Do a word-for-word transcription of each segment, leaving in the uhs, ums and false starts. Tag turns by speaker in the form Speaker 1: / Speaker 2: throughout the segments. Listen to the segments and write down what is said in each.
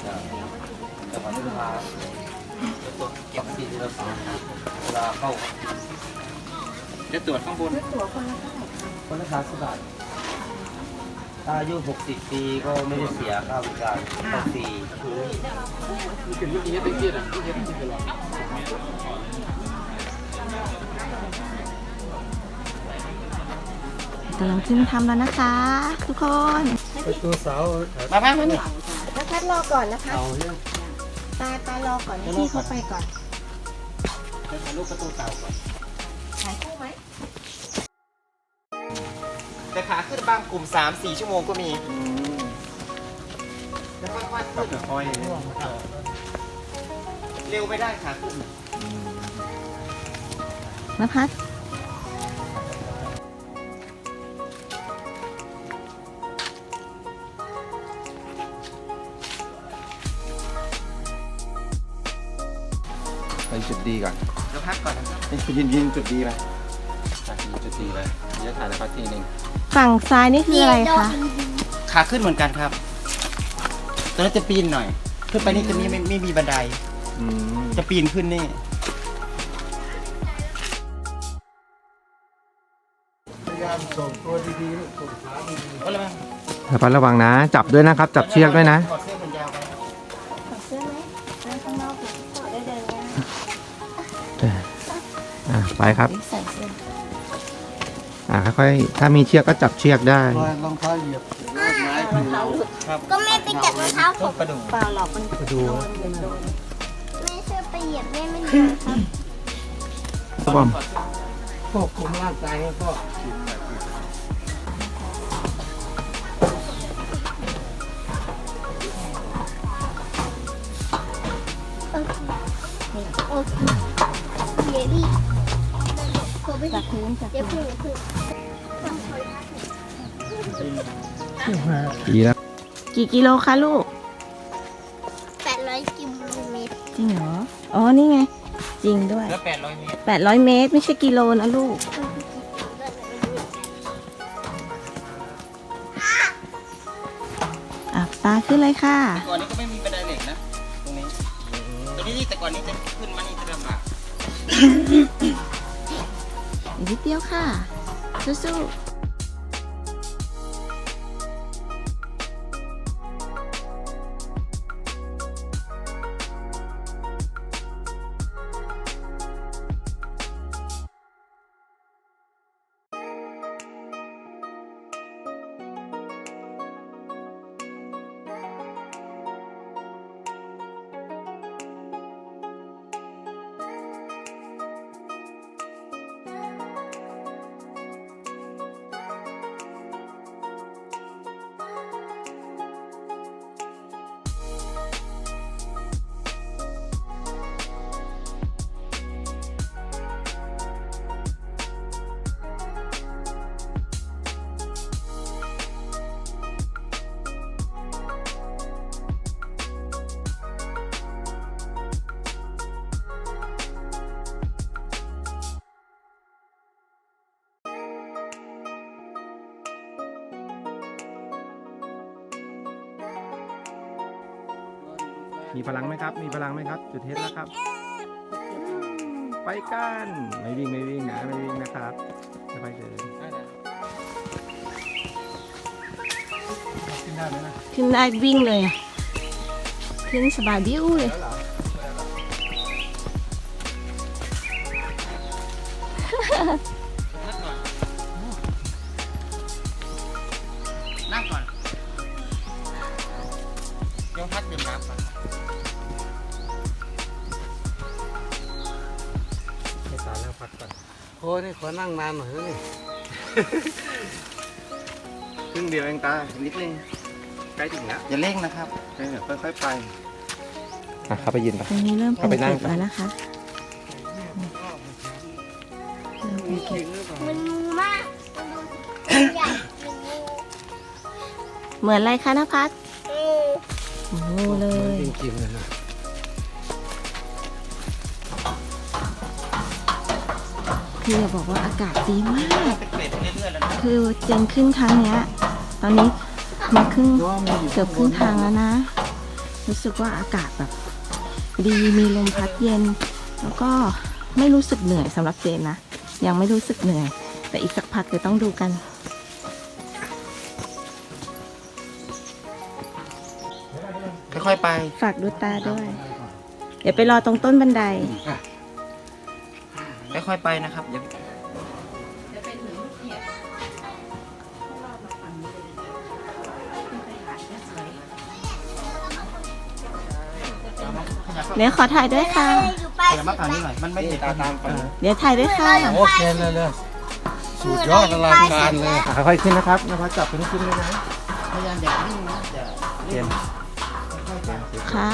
Speaker 1: แต่วันนี้ลูกค้าเก็บที่เราสั่งเวลาเข้าจะตรวจข้างบนตรวจคนละเท่าไหร่คนละสามสิบบาทถ้าอายุหกสิบปีก็ไม่ได้เสียค่าบริการเข้าฟรี
Speaker 2: กำลังขึ้นทำแล้วนะคะ ทุกคน
Speaker 1: ตัวสาวมาบ้างมาเนี่ย
Speaker 2: แล้วคัดรอก่อนนะคะ
Speaker 1: เอาเรื่อง
Speaker 2: ตาตารอก่อนให้พี่เขาไปก่อน
Speaker 1: ถ่ายรูปประตูเต่าก่อน
Speaker 2: ถ่ายคู่ไหม
Speaker 3: แต่ขาขึ้นบางกลุ่ม สามสี่ ชั่วโมงก็มีแล้วค่อยๆขึ้นค่อยเร็วไม่ได้ขาขึ้น
Speaker 2: นภัส
Speaker 4: ไปจุดดีก่อน
Speaker 3: แล้วพักก่อนนะครับ
Speaker 4: ไปยินยินจุดดีไปยินจุดดีไปจะถ่ายนะครับทีหนึ่ง
Speaker 2: ฝั่งซ้ายนี่คืออะไรคะ
Speaker 3: ขาขึ้นเหมือนกันครับตอนนั้นจะปีนหน่อย ขึ้นไปนี่จะมีไม่ไม่มีบันได
Speaker 4: อืม
Speaker 3: จะปีนขึ้นนี่
Speaker 1: พยายามส่งตัวดีๆส่งขาดี
Speaker 3: ก็เลย
Speaker 4: ระมัดระวังนะ จับด้วยนะครับ จับเชือกด้วยนะ
Speaker 3: ถอดเสื้อขนยาวไป
Speaker 2: ถอดเสื้อไหมเดินข้างนอกถอดได้เดินได้
Speaker 4: อ่ะไปครับ
Speaker 2: ใส่เสื้อ
Speaker 4: อ่ะค่อยๆถ้ามีเชือกก็จับเชือกได้
Speaker 1: ๆรองเท้าเหยียบไม้ถู
Speaker 3: ครับ
Speaker 5: ก็แม่ไปจับรองเท้าผ
Speaker 3: ต้น
Speaker 5: ม
Speaker 3: กระดูก
Speaker 2: เปล่าหรอกมัน
Speaker 1: ดู
Speaker 2: โดนโดน
Speaker 5: แม่ช่วยไปเหยียบแม่ไม่โดนครับ
Speaker 4: ครับผม
Speaker 1: ควบคุมร่างกายให้พ่อ
Speaker 5: โอเคเดี๋ยวดิขอไป
Speaker 2: จากพื้นจาก
Speaker 5: เดี๋ยว
Speaker 2: พื้
Speaker 5: พึ่
Speaker 2: น
Speaker 5: งพึ่ง
Speaker 4: ดีแล้ว
Speaker 2: กี่กิโลคะลูก
Speaker 5: แปดร้อยกิโลเมตร
Speaker 2: จริงเหรอ อ๋อ นี่ไง จริงด้วย
Speaker 3: แล้วแปดร้อยเมตร
Speaker 2: แปดร้อยเมตรไม่ใช่กิโลนะลูก อ่ะตาขึ้นเลยค่ะ
Speaker 3: ก่อนนี้ก็ไม่มีบันไดเหล็กนะ ตรงนี้ ตรงนี้แต่ก่อนนี้จะขึ้นมานี่จะลำบาก
Speaker 2: อีกนิดเดียวค่ะ สู้ๆ
Speaker 4: มีพลังไหมครับ มีพลังไหมครับ จุดเทสแล้วครับ ไปกัน ไม่วิ่งไม่วิ่งนะไม่วิ่งนะครับค่อยๆเดิน
Speaker 1: ขึ้นได้ไหมนะ
Speaker 2: ขึ้นได้วิ่งเลยอะขึ้นสบายดิ้วเลย
Speaker 3: นั่งก่อนยงพักดื่มน้ำก่อน
Speaker 1: ให้ตานั่งพักก่อนโอ้ยนี่ขอนั่งนานหน่อยนะนี่
Speaker 4: ครึ่งเดียวเองตา นิดนึง ใกล้ถึงแล้ว
Speaker 3: อย่าเร่งนะครับ
Speaker 4: เดี๋ยวค่อยๆไป อ่ะเข้าไปยืนไป
Speaker 2: ตรงนี้เริ่มเป็น
Speaker 4: เอาไปนั่ง
Speaker 2: เก็บแล้วนะคะเริ่มเป็นเก็บ
Speaker 5: มันงูมากมันดูใหญ่เป็นงู
Speaker 2: เหมือนอะไรคะนภัส
Speaker 5: งู
Speaker 2: โอ้เลย
Speaker 1: จริงๆเลยนะ
Speaker 2: พี่จะบอกว่าอากาศดีมาก
Speaker 3: เป็นเกรดเรื่อยๆแล้วนะ
Speaker 2: คือเจนขึ้นครั้งเนี้ย ตอนนี้มาครึ่งเกือบครึ่งทางแล้วนะรู้สึกว่าอากาศแบบดีมีลมพัดเย็น แล้วก็ไม่รู้สึกเหนื่อยสำหรับเจนนะยังไม่รู้สึกเหนื่อยแต่อีกสักพักเดี๋ยวต้องดูกัน
Speaker 3: ค่อยๆไป
Speaker 2: ฝากดูตาด้วย เดี๋ยวไปรอตรงต้นบันได
Speaker 3: ค่อยๆไปนะครับอย่า
Speaker 2: เดี๋ยวขอถ่ายด้วยค่ะ
Speaker 5: อยู่ไป
Speaker 3: อย่ามาฝั่งนี้หน่อยมันไม่ติดตาตามกัน
Speaker 2: เดี๋ยวถ่ายด้วยค่ะ
Speaker 1: โอเคเลยเลยสุดยอดอลังการเลย
Speaker 4: ค่อยๆขึ้นนะครับนภัสจับเป็นขึ้นเลยนะ
Speaker 3: พยายามอย่านิ่งนะอย่า
Speaker 4: เทียน
Speaker 2: ค่ะ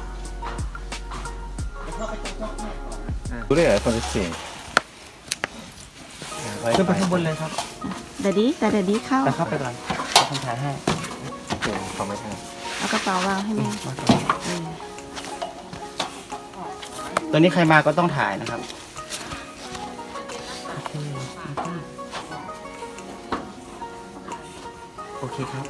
Speaker 4: รู้ได้เหรอคนที่สี่
Speaker 3: ขึ้นไปข้างบนเลยครับ
Speaker 2: เดี๋ยวดีแต่เดี๋ยวดีเข้า
Speaker 3: แต่เข้าไปก่อนเอาคนถ่ายให้
Speaker 4: เทียนของไม่ทัน
Speaker 2: เอากระเป๋าวางให้แม่เออ
Speaker 3: ตัวนี้ใครมาก็ต้องถ่ายนะครับโอเคครับ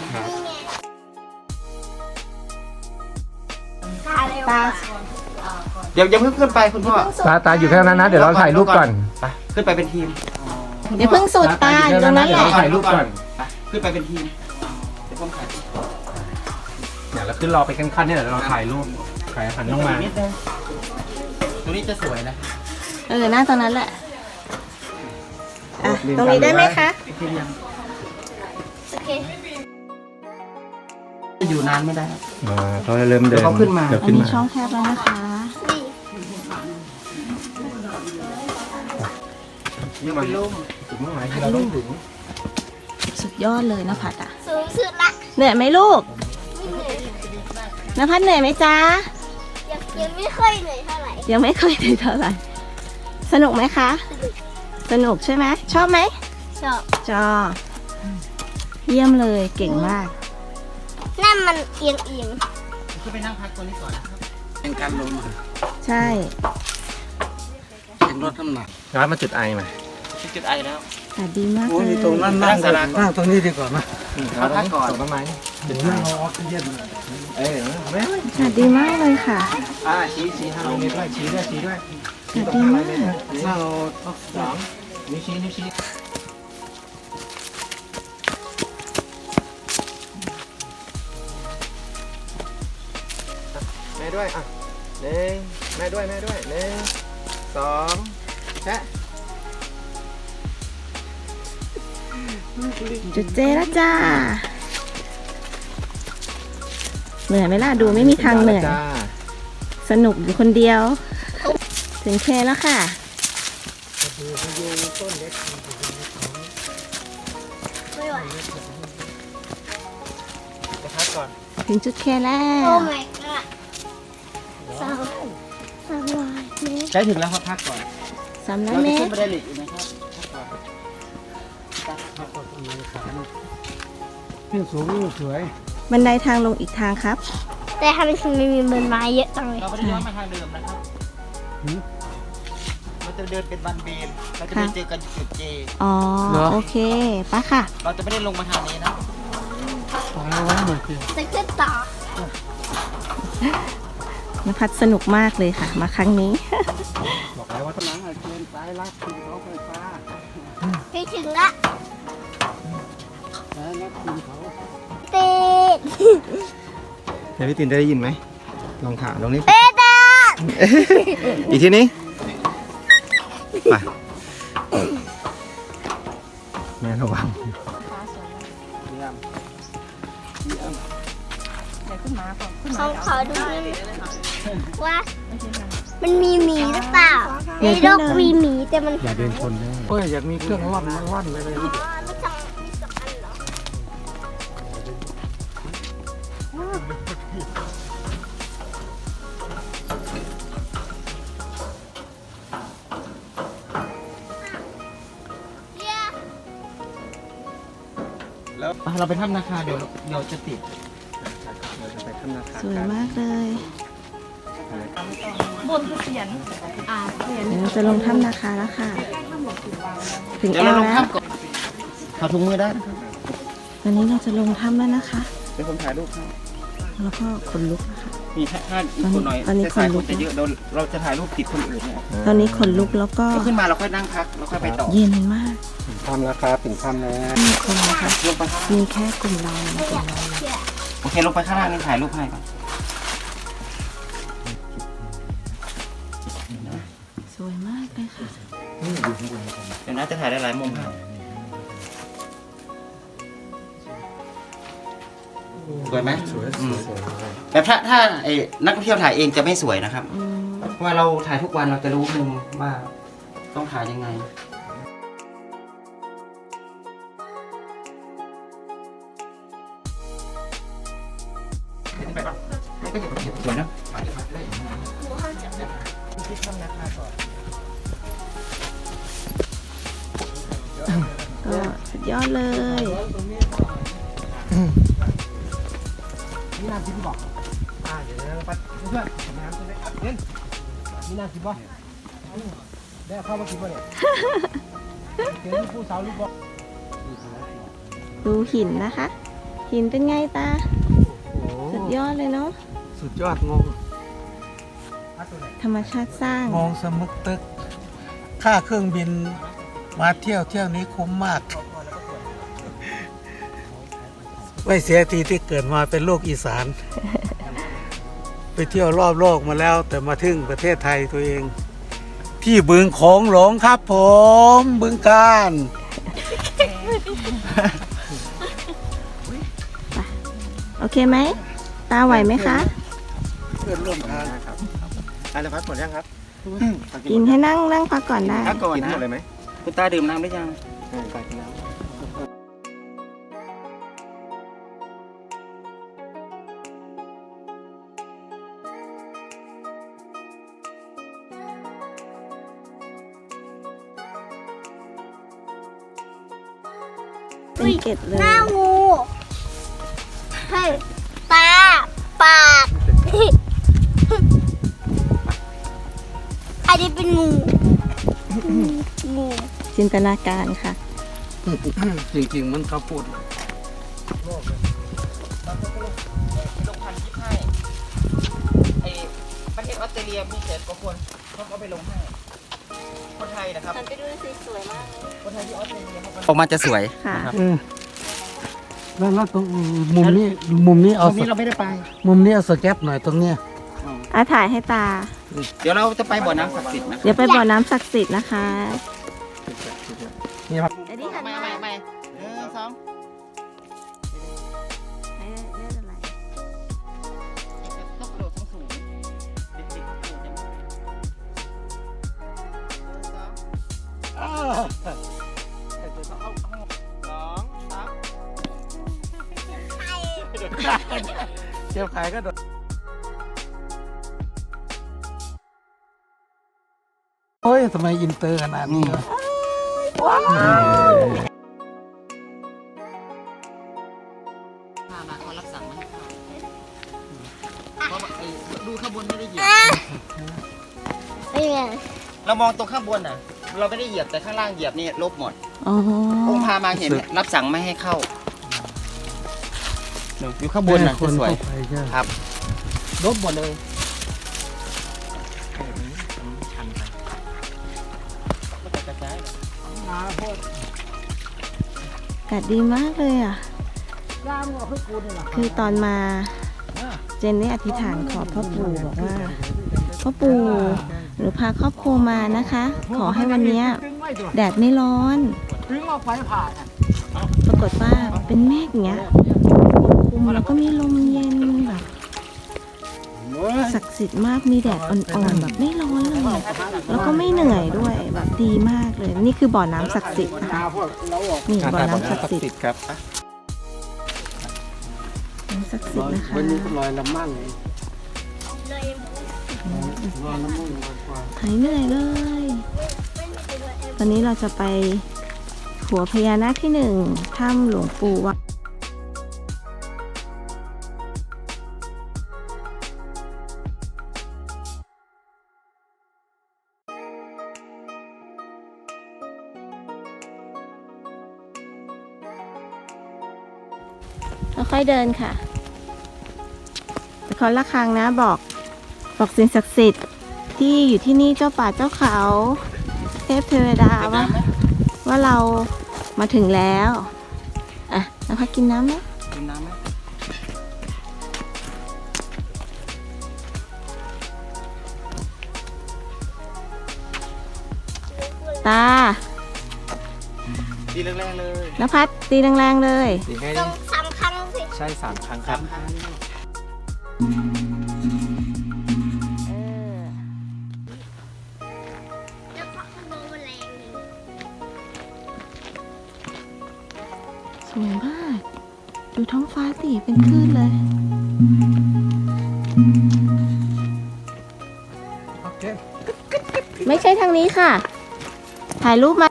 Speaker 5: ตาเร็ว
Speaker 2: ตา
Speaker 3: เดี๋ยวยังเพิ่งขึ้นไปคุณพ่อ
Speaker 4: ตาตาอยู่แค่นั้นนะเดี๋ยวเราถ่ายรูปก่อน
Speaker 3: ไปขึ้นไปเป็นทีม
Speaker 2: เดี๋ยวเพิ่งสูดตาอยู่ตรงนั้นแหละ
Speaker 4: เดี๋ยวเราถ่ายรูปก่อน
Speaker 3: ไปขึ้นไปเป็นทีมเดี๋ยวผมถ่าย
Speaker 4: เดี๋ยวเราขึ้นรอไปขั้นๆเนี่ยเดี๋ยวเราถ่ายรูปถ่ายหันลงมา
Speaker 3: นิดนึงตรงนี้จะสวยนะ
Speaker 2: เออหน้าตรงนั้นแหละอ่ะตรงนี้ได้ไหมคะ
Speaker 3: ทีมยัง
Speaker 5: โอเค
Speaker 3: จะอยู่นานไม่ได้ครับ
Speaker 4: อ่าเขาจะเริ่มเดิน
Speaker 3: เดี๋ยวเขาขึ้นมา
Speaker 4: เดี๋ยว
Speaker 2: อัน
Speaker 4: ขึ้น
Speaker 2: นี้
Speaker 4: มา
Speaker 2: ช่องแคบแล้วนะคะ
Speaker 3: ยังไม่ลุ่ม
Speaker 4: ถึงเมื่อไหร่ที่เราต้องถึง
Speaker 2: สุดยอดเลยนภัสอ่ะ
Speaker 5: สูงสุดละ
Speaker 2: เหนื่อยไหมลูก
Speaker 5: ไม่เหนื่อย
Speaker 2: นภัสเหนื่อยไหมจ๊ะ
Speaker 5: ยังยังไม่ค่อยเหนื่อยเท่าไหร่
Speaker 2: ยังไม่เคยได้เท่าไหร่สนุกไหมคะ สนุกใช่ไหมชอบไหม
Speaker 5: ชอบ
Speaker 2: จอเยี่ยมเลยเก่งมาก
Speaker 5: นั่นมันเอียงเอียง
Speaker 3: ขึ้นไปนั่งพักตัวนี้ก่อนนะครับเป็นการลง
Speaker 2: ใช่
Speaker 3: เป็นรถน้ำหนัก
Speaker 4: ร้านมาจุดไอมา
Speaker 3: ที่จุดไอแล้ว
Speaker 2: แต่ดีมาก
Speaker 1: โอ้
Speaker 2: เลย
Speaker 1: ยตรงนั้นนั่งเลยนั่งตรงนี้ดีกว่าไหม
Speaker 3: มาพักก่อน
Speaker 4: ส่งต้นไม้จุดไอ
Speaker 1: นั่งเอาออกซิเจน
Speaker 4: เอ้ยไม่ไม่
Speaker 2: ค่ะดีมากเลยค่ะ
Speaker 3: อ่าชี้ชี้ห้า
Speaker 4: เอา
Speaker 3: เม
Speaker 4: นิ้
Speaker 3: ต
Speaker 4: ว
Speaker 3: ร
Speaker 4: ด้วยชี้ด้วยชี้ด้วย
Speaker 2: ค่ะดีมาก
Speaker 1: นั่งเอาออก
Speaker 4: สองนิ้วชี้นิ้วชี้แม่ด้วยอ่ะหนึ่งแม่ด้วยแม่ด้วยหนึ่งสองแชะ
Speaker 2: จุดเจแล้วจ้า เหนื่อยไหมล่ะ ดูไม่มีทางเหนื่อย
Speaker 4: จ้า
Speaker 2: สนุกอยู่คนเดียว ถึงเคแล้วค่ะ
Speaker 5: ไม่ไหว
Speaker 3: จะพักก่อน
Speaker 2: ถึงจุดเคแล้
Speaker 5: โอ้
Speaker 2: ว
Speaker 5: my god สาวสาววายเมตร
Speaker 3: ใช้ถึงแล้วครับพักก่อน
Speaker 2: สามร้อย
Speaker 3: เรา
Speaker 2: เม
Speaker 3: จะ
Speaker 2: ต
Speaker 3: ขึ้น
Speaker 2: ร
Speaker 3: บันไดเหล็กอีกไหมครับพักก่อน
Speaker 1: ขึ้นสูงนี่สวย
Speaker 2: บันไดทางลงอีกทางครับ
Speaker 5: แต่ทำไมถึงไม่มีใบไม้เยอะจังเลย
Speaker 3: เราไม่ได้ย้อนมาทางเดิมนะครับเราจะเดินเป็นบันเบนเราจะไปเจอกันจุดเจ
Speaker 2: อ๋อ โอเคไปะค่ะ
Speaker 3: เราจะไม่ได้ลงมาทางนี้นะ
Speaker 1: ฟังแล้วว่าหน่อยสิ
Speaker 5: จะขึ้นต่อน
Speaker 2: ภัสสนุกมากเลยค่ะ มาครั้งนี้
Speaker 4: บอกแล้วว่าต้อง
Speaker 1: หลังอาเจียนสายลัดขึ้นเขาไฟฟ้า
Speaker 5: ไปถึงละ
Speaker 1: สายลัดขึ้นเขา
Speaker 5: ติด
Speaker 4: เดี๋ยวพี่ตินจะได้ยินไหมลองถามตรงนี้
Speaker 5: เป๊ะจ้า
Speaker 4: อีกทีนี้ไปแม่ระวัง
Speaker 5: ขอขอดูว่า มันมีหมีหรือเปล่าในโลกมีหมีแต่มัน
Speaker 4: อย่าเดินชนได้
Speaker 1: เฮ้ยอยากมีเครื่องร่อนมาร่อนไปเลย
Speaker 5: อ๋อไม่ต้องมีสองอันเหรอ
Speaker 3: แล้วเราไปถ้ำนาคาเดี๋ยวเดี๋ยวจะติด
Speaker 4: เราจะไปถ้ำนาคา
Speaker 2: สวยมากเลย
Speaker 5: บนคือเสียนอ่าเสียน
Speaker 2: เดี๋ยวเราจะลงถ้ำนาคาแล้วค่ะ ถึง
Speaker 3: เดี๋ยว
Speaker 2: แอ
Speaker 3: เรา
Speaker 2: ล
Speaker 3: ลง
Speaker 2: แล้ว
Speaker 3: ถ้ำก่อนถอดถุงมือได้นะครับ
Speaker 2: ตอนนี้เราจะลงถ้ำแล้วนะคะ
Speaker 3: เดี๋ยวผมถ่ายรูปให้
Speaker 2: แล้วก็ขนลุกนะคะ
Speaker 3: มีถ้าถ้าอีกคนหน่อย
Speaker 2: ตอนนี้
Speaker 3: แต่สาย
Speaker 2: คนลุ
Speaker 3: ค
Speaker 2: ก
Speaker 3: นจะเยอะเราเราจะถ่ายรูปติดคนอื่นเนี่ย
Speaker 2: ตอนนี้ขนลุกแล้วก็
Speaker 3: เราขึ้นมาเราค่อยนั่งพักเราค่อยไปต่อ
Speaker 2: เย็นมาก
Speaker 4: ถึงถ้ำแล้วครับถึงถ้ำแล้ว
Speaker 2: มีคนนะคะ
Speaker 3: ลงไปข้าง
Speaker 2: มีแค่กลุ่มเรานะกลุ่มเรานะ
Speaker 3: โอเคลงไปข้างล่างนี่ถ่ายรูปให้ก่อน
Speaker 2: สวยมากเลยค่ะ
Speaker 3: เดี๋ยวนะจะถ่ายได้หลายมุมให้สวยไหม
Speaker 4: สวย
Speaker 3: อืม
Speaker 4: สวย
Speaker 3: แต่ถ้าถ้าไอ้นักท่องเที่ยวถ่ายเองจะไม่สวยนะครับ
Speaker 2: อืม
Speaker 3: เพราะว่าเราถ่ายทุกวันเราจะรู้มุมว่าต้องถ่ายยังไงไม่ก็อย่าไปเก็บสวยนะ
Speaker 2: ก็สุดยอดเลย
Speaker 4: นี่น้ำจิ้มบอกอ่าเดี๋ยวเราไปเพื่อนน้ำจิ้มได้เล่นนี่น้ำจิ้มบอกได้เข้ามากินป่ะเนี่ยเจอลูกผู้สาวลูกบอก
Speaker 2: ดูหินนะคะ หินเป็นไงตา
Speaker 6: โอ้
Speaker 2: สุดยอดเลยเนาะ
Speaker 6: สุดยอดงง
Speaker 2: ธรรมชาติสร้าง
Speaker 6: งงสมึกตึก ค่าเครื่องบินมาเที่ยวเที่ยวนี้คุ้มมาก ไม่เสียทีที่เกิดมาเป็นลูกอีสาน ไปเที่ยวรอบโลกมาแล้ว แต่มาถึงประเทศไทยตัวเอง ที่บึงโขงหลงครับผม บึงการ
Speaker 2: โอเคไหม ตาไหวไหมคะ
Speaker 6: เพื่อนร่วมทาง
Speaker 4: อะไรพัดหมดยังครับ
Speaker 2: กินให้นั่งนั่งพักก่อนได้
Speaker 3: พักก่อน
Speaker 4: กิน
Speaker 3: นะ
Speaker 4: หมดเลยไหม
Speaker 3: คุณตาดื่มน้ำหรือยัง
Speaker 4: เออไปกินน้ำ
Speaker 2: เป็นเกล็ดเลย
Speaker 5: หน้างูเฮ้ยตา ปาก อันนี้เป็นงู งู
Speaker 2: จินตนาการค่ะ
Speaker 6: จริงๆ มันเขาพูด
Speaker 3: ลงพันทิปให้ไอ้ประเทศออสเตรเลียมีเศษกว่าคนเขาก็ไปลงให้ คนไทยนะครับ
Speaker 2: ฉันไปดูสิสวยมากเลย
Speaker 3: คนไทยที่ออสเตรเลียเขาก็ออกมาจะสวย
Speaker 2: ค่ะ
Speaker 6: เออแล้วแล้วตรงมุมนี้มุมนี้
Speaker 3: ต
Speaker 6: เอา
Speaker 3: รงนี้เราไม่ได้ไป
Speaker 6: มุมนี้เอาสแก็ปหน่อยตรงเนี้ย
Speaker 2: อาถ่ายให้ตา
Speaker 3: เดี๋ยวเราจะไปบ่อน้ำศักดิ์สิทธิ์นะ
Speaker 2: เดี๋ยวไปบ่อน้ำศักดิ์สิทธิ์นะคะ
Speaker 6: นี่ครับ
Speaker 2: อันนี้หัน
Speaker 3: ไม่
Speaker 2: มา
Speaker 3: ไม่ไม่หนึ่งสอง
Speaker 2: ไม่ได้ไม่ได้อะไร
Speaker 3: ต้องกระโดดสูงๆเด็กๆกระโดดยังไงหนึ่งสองสองสาม
Speaker 6: เจ้าขายก็โดดโอ้ยทำไมอินเตอร์ขนาดนี้วะ
Speaker 3: พามาเขารับสั่งมาให้เข้าเพราะว่าไอ้ดูข้างบนไม่ได้เหยียบ
Speaker 5: เป็นไง
Speaker 3: เรามองตรงข้างบนน่ะ เราไม่ได้เหยียบแต่ข้างล่างเหยียบนี่ลบหมด
Speaker 2: อ๋อ
Speaker 3: องค์พามาเห็นรับสั่งไม่ให้เข้าเดี๋ยวอยู่ข้างบนน่ะ
Speaker 6: ค
Speaker 3: จะ
Speaker 6: น
Speaker 3: สวย
Speaker 6: เข้าไปใช่
Speaker 3: ครับลบหมดเลย
Speaker 2: อากาศดีมากเลยอ่ะ คือตอนมาเจนนี่อธิษฐานขอพ่อปู่บอกว่าพ่อปู่หนูพาครอบครัวมานะคะ ขอให้วันเนี้ยแดดไม่ร้อน
Speaker 6: ถึงเอาไฟผ่า
Speaker 2: ปรากฏว่าเป็นเมฆอย่างเงี้ยปกคลุมแล้วก็มีลมเย็นแบบศักดิ์สิทธิ์มากมีแดดอ่อนๆแบบไม่ร้อนเลย แล้วก็ไม่เหนื่อยด้วยแบบดีมากเลย นี่คือบ่อน้ำศักดิ์สิทธิ์นะคะนี่บ่อน้ำศักดิ์สิทธิ์
Speaker 4: ครับ
Speaker 2: น้ำศักดิ์สิทธิ์นะคะ
Speaker 6: วันนี้ก็ลอยละมั่งลอยละมั่งกว่า
Speaker 2: หายเหนื่อยเลย ตอนนี้เราจะไปหัวพญานาคที่หนึ่งถ้ำหลวงปู่วัดค่อยๆเดินค่ะตะเคาะระฆังนะบอกบอกสิ่งศักดิ์สิทธิ์ที่อยู่ที่นี่เจ้าป่าเจ้าเขา เทพเทวดาว่าว่าเรามาถึงแล้วอ่ะนภัสกินน้ำไหม
Speaker 3: กินน้ำไหม
Speaker 2: ตา
Speaker 3: ดีแรงๆเลย
Speaker 2: นภัสตีแรงๆเลย
Speaker 3: ดีให้
Speaker 5: ต้องสามครั้งสิ
Speaker 3: ใช่สามครั้งครับ
Speaker 2: เออ
Speaker 5: แล้วก็โดนแมลงเลย
Speaker 2: สวยมาก ดูท้องฟ้าสิเป็นคลื่นเลย
Speaker 4: โอเค
Speaker 2: ไม่ใช่ทางนี้ค่ะ ถ่ายรูปมา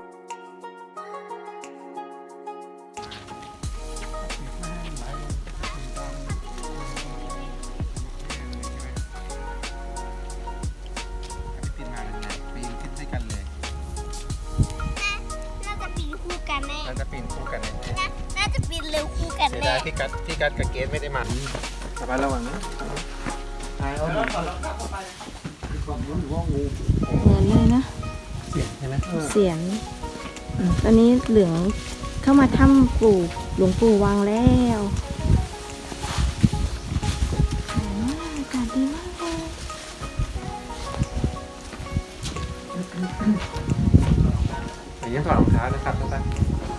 Speaker 3: ปีนมาเป็นไงปีนขึ้นด้วยกันเลย
Speaker 5: น่าจะปีนคู่กันแน่
Speaker 3: เราจะปีนคู่กันเลย
Speaker 5: น่าน่าจะปีนเร็วคู่กัน
Speaker 3: เสีย
Speaker 5: แน่
Speaker 3: ดายพี่กัดพี่กัดกับเกสไม่ได้มาสบายระวังนะตายเอาหนึ่ง
Speaker 2: เหมือนเลยนะ
Speaker 6: เสียงใช่ไหม
Speaker 2: เสียงอืมตอนนี้เหลืองเข้ามาถ้ำปู่หลวงปู่วังแล้วสวยมากอากาศดีมากเลย
Speaker 3: แต่ยังถอดรองเท้านะครับทุกท่าน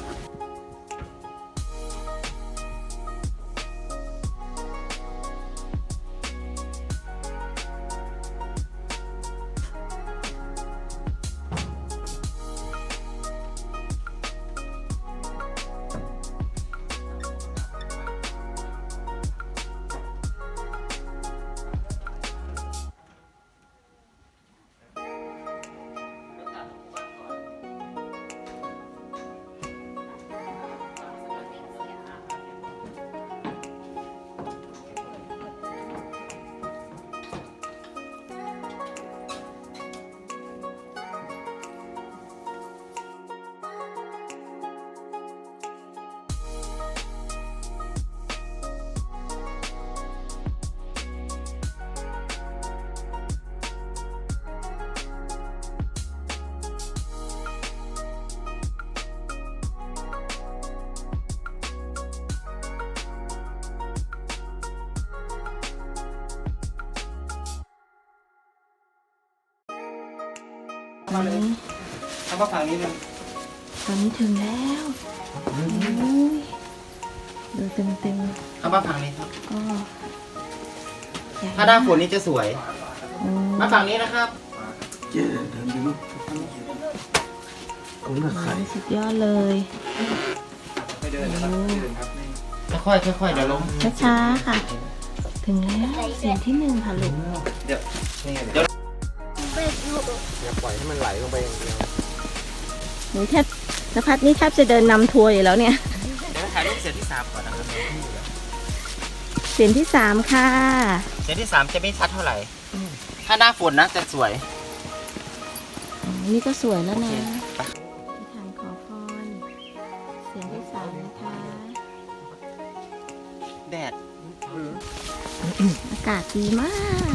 Speaker 2: ตอนนี้
Speaker 3: ทำมาฝั่งนี้หนึ่ง
Speaker 2: ตอนนี้ถึงแล้วโอ้ยดูเต็มเต็ม
Speaker 3: ทำมาฝั่งนี้ครับ
Speaker 2: ๆก็ใหญ่
Speaker 3: ถ้าหน้าฝนนี่จะสวย
Speaker 2: อืม
Speaker 3: มาฝั่งนี้นะครับ
Speaker 6: เจ๊เดินไปลูกผมน่ะไข่
Speaker 2: สุดยอดเลย
Speaker 3: ไม่เดินนะครับไม่เดินครับค่อยๆค่อยๆเดี๋ยวล้ม
Speaker 2: ช้าๆค่ะ ถึงแล้วเสียงที่หนึ่งค่ะลูก
Speaker 3: เดี๋ยวนี่เดี๋ยว
Speaker 5: ไปดู
Speaker 3: อย่าปล่อยให้มันไหลลงไปอย่างเดียว
Speaker 2: หนูแทบนภัสนี่แทบจะเดินนำทัวร์อยู่แล้วเนี่ย
Speaker 3: เดี๋ยวถ่ายรูปเสียงที่สามก่อนนะครับ
Speaker 2: เสียงที่สามค่ะ
Speaker 3: เสียงที่สามจะไม่ชัดเท่าไหร่ ถ้าหน้าฝนนะจะสวย
Speaker 2: อ๋อนี่ก็สวยแล้วนะ
Speaker 3: ไป
Speaker 2: ที่ทางขอพรเสียงที่สามนะคะ
Speaker 3: แดด
Speaker 2: อากาศดีมาก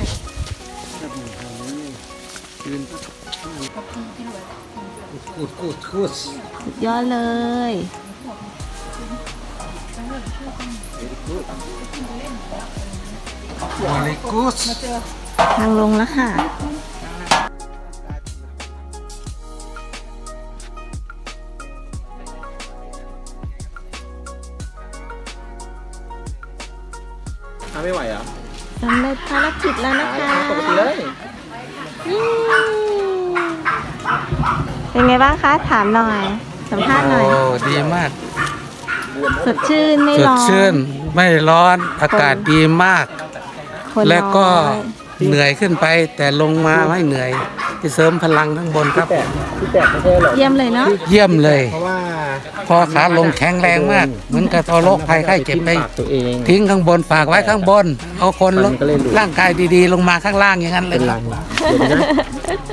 Speaker 6: กูดกูดกูด
Speaker 2: สุดยอดเลย
Speaker 6: วอลเลกูด
Speaker 2: ทางลงแล้วค่ะ
Speaker 3: ทำไม่ไหวเหรอ
Speaker 2: สำเร็จภารกิจแล้วนะคะ
Speaker 3: ปกติเลย
Speaker 2: อืมเป็นไงบ้างคะ ถามหน่อย สัมภาษณ์หน่อย
Speaker 6: โอ้ดีมาก
Speaker 2: สดชื่นไม่
Speaker 6: สด
Speaker 2: ร้อน
Speaker 6: ชื่นไม่ร้อนอากาศดีมาก
Speaker 2: คน
Speaker 6: แล้วก็
Speaker 2: น้อย
Speaker 6: เหนื่อยขึ้นไป แต่ลงมาไม่เหนื่อยที่เสริมพลังข้างบนครับ
Speaker 3: ที่แตกไม่ใช่หรอก
Speaker 2: เยี่ยมเลยเนาะ
Speaker 6: เยี่ยมเลย
Speaker 3: เพราะว่า
Speaker 6: พอขาลงแข็งแรงมาก เหมือนกับเอาโรคภัยไข้เจ็บไป
Speaker 3: ตัวเอง
Speaker 6: ทิ้งข้างบนฝากไว้ข้างบน เอาคนลงร่างกายดีๆ ลงมาข้างล่างอย่างนั้นเลย
Speaker 3: เป็น
Speaker 6: ค
Speaker 3: รั
Speaker 6: รับ
Speaker 3: งเดี๋ยวนะ